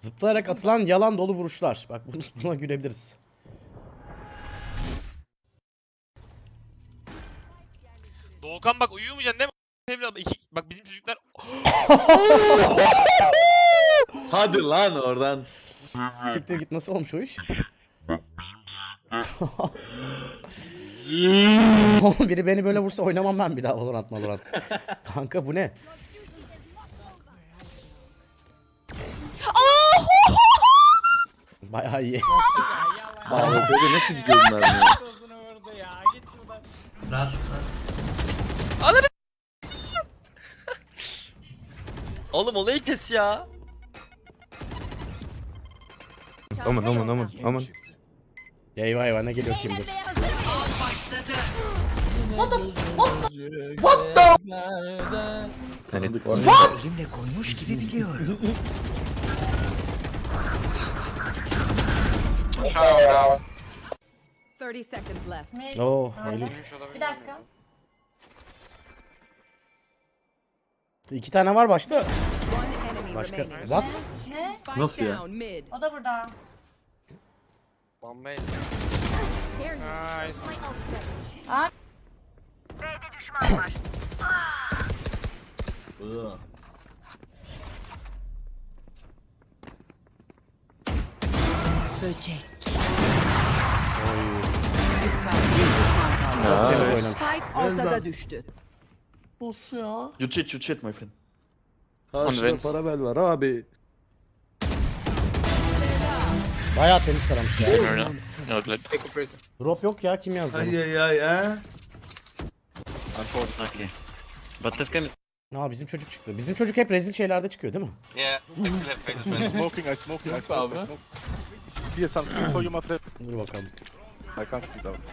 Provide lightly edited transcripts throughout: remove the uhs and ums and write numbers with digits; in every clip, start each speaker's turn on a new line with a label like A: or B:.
A: Zıplayarak atılan yalan dolu vuruşlar. Bak buna gülebiliriz.
B: Doğukan bak uyumayacaksın değil mi? Evladım bak bizim çocuklar
C: Hadi lan oradan.
A: Siktir git, nasıl olmuş o iş? Oğlum biri beni böyle vursa oynamam ben bir daha Valorant. Kanka bu ne? Bayağı iyi.
C: Abi böyle nasıl gidiyorum ben ya?
D: Oğlum olayı kes ya.
C: Aman.
A: Eyvah eyvah, ne geliyor kim dur.
E: Elimle koymuş gibi biliyorum.
A: Oo, Eylül.
F: Bir dakika.
A: 2 tane var başta. Başka. What?
F: Ne?
C: Nasıl ya?
F: O da burada.
D: Bombay.
E: Böcek.
A: Çok temiz oynamış.
E: Spike ortada düştü.
C: You cheat my friend. Karşıda parabel var abi.
A: Bayağı temiz taramış ya.
E: Anlamsız.
A: Drop yok ya, kim yazdı? onu?
C: Ya.
D: Unfortunately. But this game is...
A: Aa, bizim çocuk çıktı. Bizim çocuk hep rezil şeylerde çıkıyor değil mi?
D: Yeah.
G: Smoking, I smoke. Here, something for you, my friend.
A: Dur bakalım.
G: I can't speak out.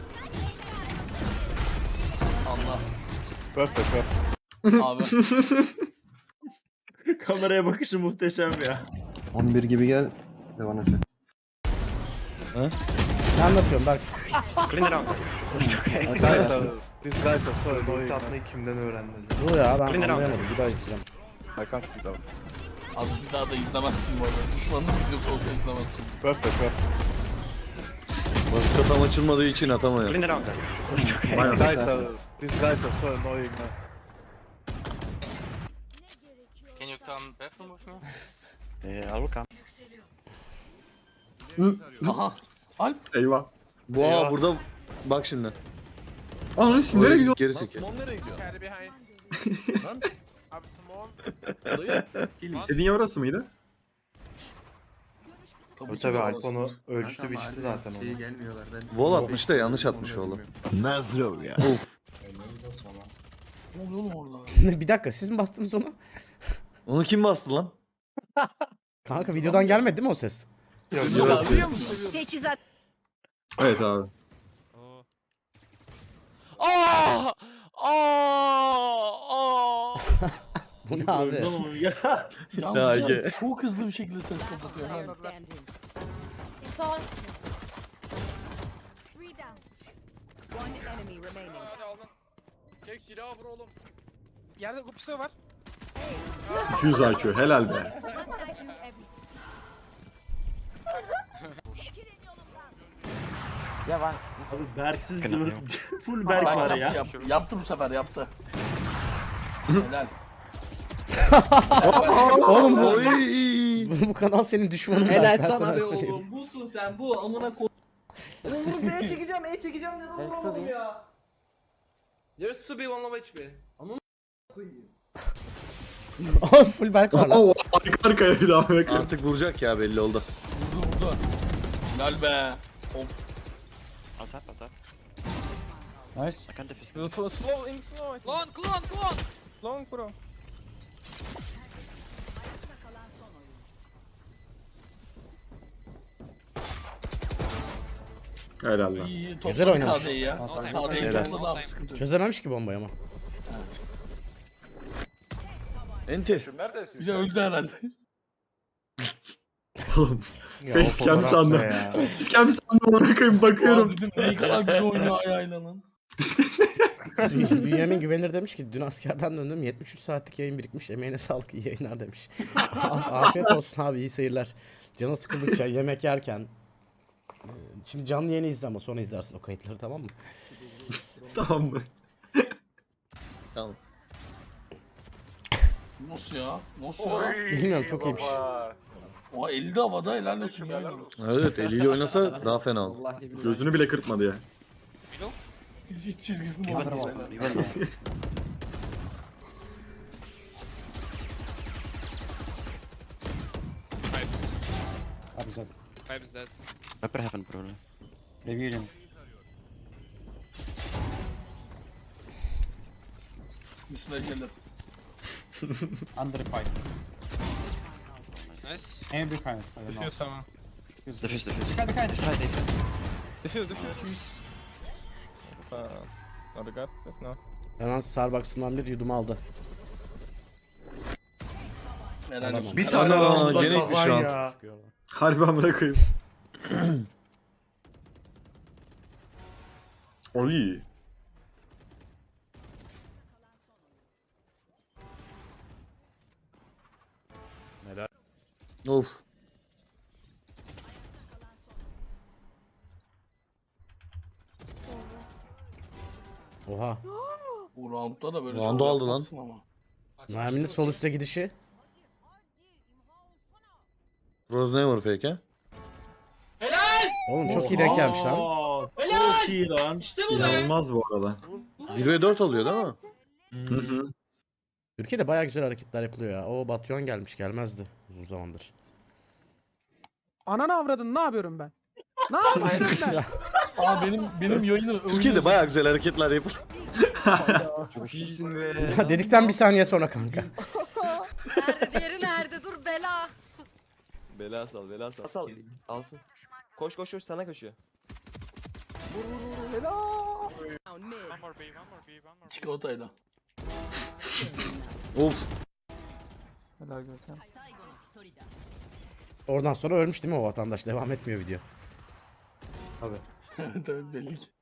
G: Allah. Perfect.
H: Abi.
C: Kameraya bakışı muhteşem ya.
I: 11 gibi gel. Devam et.
A: Ne anlatıyorum Berk?
G: These guys are so annoying.
I: kimden öğrendin?
A: Dur ya, ben anlayamadım. Bir daha izleyeceğim.
G: I can't speak out.
H: Abi bir daha da izlemezsin bu arada. Düşmanın videosu olsa izlemezsin.
G: Perfect.
C: Başka tam açılmadığı için atamıyor.
G: These guys are so annoying, man.
D: Can you come bathroom with me? I will come.
H: Aha.
C: Eyvah. Bu burada bak şimdi.
I: Ananı s*** nereye gidiyor?
C: Geri çekil.
H: Nereye gidiyor?
I: Dediğin yer orası mıydı?
H: Tabii
I: Tabii Alp onu ölçtü biçti zaten onu.
C: Vol atmış da yanlış atmış oğlum.
I: Nazro ya.
C: Of.
H: Ne oluyor oğlum orada?
A: Bir dakika, siz mi bastınız onu?
C: Onu kim bastı lan?
A: Kanka videodan gelmedi değil mi o ses?
H: Biliyor musun?
E: Teçhizat.
I: Evet abi.
B: Aa!
A: Bu ne abi?
H: Yalnız
C: Ege.
H: ya, çok hızlı bir şekilde ses kapatıyor. Ha.
F: Son.
B: Çek silahı vur oğlum. Yerde kupsa var.
I: 200 IQ helal be.
C: Abi Berksiz gördüm. Full
H: Bak,
C: Berk var ya.
H: Yaptı bu sefer yaptı. Helal.
A: Oğlum bu,
C: Oy.
A: bu kanal senin düşmanın.
J: Helal
A: Berk, ben
J: sana be
A: söyleyeyim.
J: oğlum. Busun sen bu amına ko... Oğlum B'ye çekeceğim, neden vuramadım ya? There's to be one of HP. Amına koyayım.
A: Oğlum full Berk var lan.
I: Oo, arka arkaya bir daha bekle.
C: Artık vuracak ya belli oldu.
H: Vurdu. Helal be. Of.
D: Atap.
I: Nice.
D: I can't defuse.
B: Slow in slow. Clone. Long bro.
I: Helal lan.
H: İyi,
A: Güzel oynamış.
H: KD'yi ya. KD'yi
C: Helal.
H: topladı abi, sıkıntı yok.
A: Çözememiş ki bombayı ama.
C: Enti.
H: Bir de öldü herhalde.
I: Oğlum.
A: Ya,
I: Facecam
A: o fotoğraf
I: sandım.
A: ne ya?
I: Facecam sandım ona koyayım bakıyorum.
H: Ya dedim ne kadar güzel oynuyor ayağıyla lan.
A: Bünyamin Güvenir demiş ki dün askerden döndüm 73 saatlik yayın birikmiş emeğine sağlık iyi yayınlar demiş. Afiyet olsun abi iyi seyirler. Canı sıkıldıkça yemek yerken. Şimdi canlı yayını izle ama sonra izlersin o kayıtları tamam mı?
I: Tamam mı?
C: Tamam.
H: Nasıl ya? Nasıl ya?
A: Bilmiyorum çok iyiymiş.
H: O 50 havada helal olsun ya.
C: Evet eliyle oynasa daha fena olur.
I: Gözünü bile kırpmadı ya.
H: Hiç çizgisini bozmadı.
B: Vibes dead.
J: Upper heaven probably.
H: Üstüne gelir.
B: Nice.
D: Düşüyoruz tamam.
J: Defuse. Side.
A: Hemen Starbucks'ından bir yudum aldı.
H: Helal olsun.
I: Bir tane
C: Ana,
I: roundda
C: gene
I: kazan
C: gitmiş
I: ya. Harbi amına koyayım. Oy.
C: Of.
A: Oha.
H: Bu roundda da böyle
C: Round'u
H: şov
C: aldı lan.
H: yapmazsın ama.
A: Nermin'in sol üstte gidişi.
C: Rose ne var fake he?
A: Oğlum çok iyi denk gelmiş lan.
J: Çok iyi lan. İşte bu be.
I: İnanılmaz bu arada.
C: 1 ve 4 alıyor değil mi?
I: Hı hı.
A: Türkiye'de bayağı güzel hareketler yapılıyor ya. O Batyon gelmiş gelmezdi uzun zamandır.
J: Ananı avradın ne yapıyorum ben? Ne yapıyorum ben?
H: Aa benim yayını
C: Türkiye'de bayağı güzel hareketler yapılıyor.
B: Çok iyisin be.
A: Ya dedikten bir saniye sonra kanka.
F: Nerede diğeri nerede? Dur bela.
J: Bela sal. Sal. Alsın. Koş sana koşuyor.
H: çikolatayla.
C: Of.
A: Oradan sonra ölmüş değil mi o vatandaş? Devam etmiyor video.
H: Evet belli ki.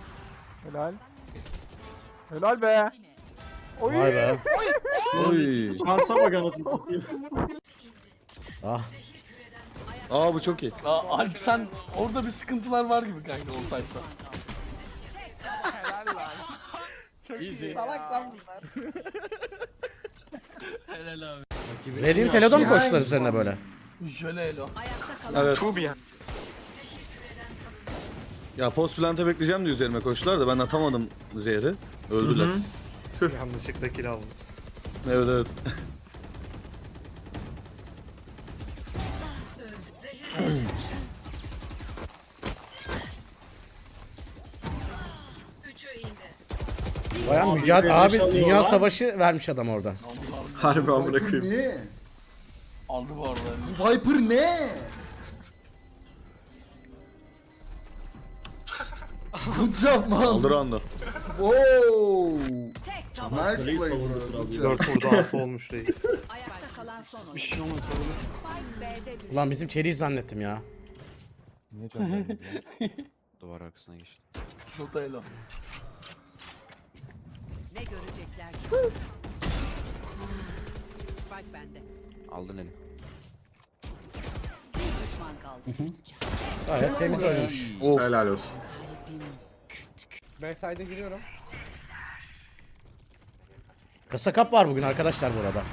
J: Helal be.
A: Vay be.
C: Oy.
J: Şansa bak anasını satayım.
A: Ah.
C: Aa bu çok iyi.
H: Aa, Alp sen orada bir sıkıntılar var gibi kanka o sayfa.
J: Salak lan bunlar.
H: Helal abi.
A: Verdiğin Telo'da mı koştular üzerine böyle?
H: Şöyle elo.
C: Evet. Ya post planta bekleyeceğim de üzerime koştular da ben atamadım zehri. Öldüler.
I: Yanlışlıkla kill aldım.
C: Evet evet.
A: Bayağı mücadele abi dünya savaşı vermiş adam orada.
I: Harbi amına koyayım.
G: Ne?
H: Aldı bu arada.
G: Viper ne? Good job man.
C: Aldı round'u.
G: Wow. Nice play bro.
I: 4 vurdu 6 olmuş reis.
E: Ayakta kalan son oyun.
J: şey olmaz.
E: Spike B'de düştü.
A: Ulan bizim çeliği zannettim ya.
J: Duvar arkasına geçti.
H: Şota elo.
E: Ne görecekler ki? Spike bende.
J: Aldın eli.
E: Bir düşman kaldı.
A: Gayet temiz oynamış.
I: Helal olsun.
J: Backside'e giriyorum.
A: Kasa kap var bugün arkadaşlar bu arada.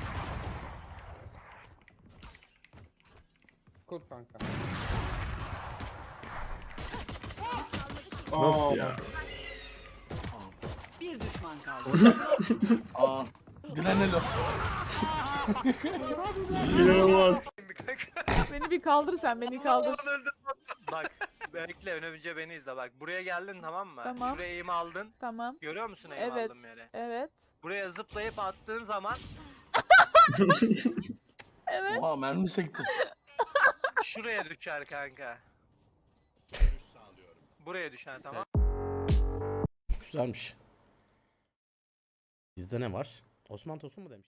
J: Kur kanka.
I: Nasıl ya?
E: Bir düşman kaldı.
H: Aa. Diren elo.
I: İnanılmaz.
F: Beni bir kaldır sen beni kaldır.
D: Bak bekle önce beni izle bak. Buraya geldin tamam mı?
F: Tamam.
D: Şuraya eğimi aldın.
F: Tamam.
D: Görüyor musun eğimi
F: Evet.
D: aldığım yere?
F: Evet.
D: Buraya zıplayıp attığın zaman
H: Oha mermi sekti.
D: şuraya düşer kanka. Buraya düşer tamam.
A: Güzelmiş. Bizde ne var? Osman Tosun mu demiş?